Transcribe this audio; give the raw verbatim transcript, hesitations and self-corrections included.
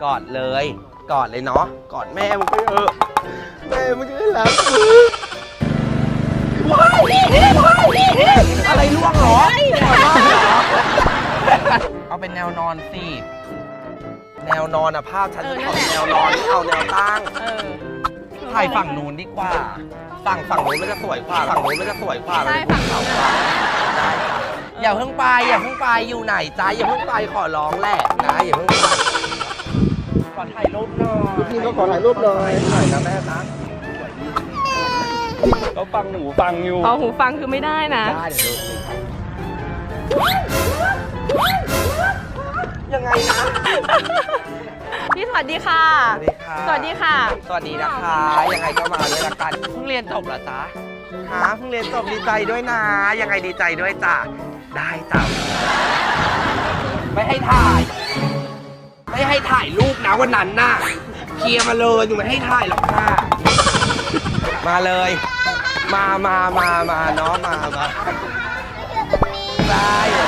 กอดเลยกอดเลยเนาะกอดแม่มึงไปเถอะแม่มึงจะได้รักมึงว้ายอะไรล่วงเหรอเอาเป็นแนวนอนสิแนวนอนอะภาพฉันจะเอาแนวนอนไม่เอาแนวตั้งถ่ายฝั่งนู้นดีกว่าฝั่งฝั่งนู้นมันจะสวยกว่าฝั่งนู้นมันจะสวยกว่าใช่ฝั่งเขาได้จ้ะอย่าเพิ่งไปอย่าเพิ่งไปอยู่ไหนจ้าอย่าเพิ่งไปขอร้องแหละนะอย่าเพิ่งไปขอถ่ายรูปหน่อยพี่ก็ขอถ่ายรูปหน่อยหน่อยนะแม่นะเขาฟังหูฟังอยู่เอาหูฟังคือไม่ได้นะได้เดี๋ยวดูสิยังไงนะพี่สวัสดีค่ะสวัสดีค่ะสวัสดีนะคะยังไงก็มาด้วยละกันเพิ่งเรียนจบเหรอจ๊ะฮะเพิ่งเรียนจบดีใจด้วยนะยังไงดีใจด้วยจ้ะได้จ้ะไม่ให้ถ่ายไม่ให้ถ่ายรูปนะวันนั้นน่ะเคลียร์มาเลยหนูไม่ให้ถ่ายหรอกค่ะมาเลยมามามามาเนาะมามาได้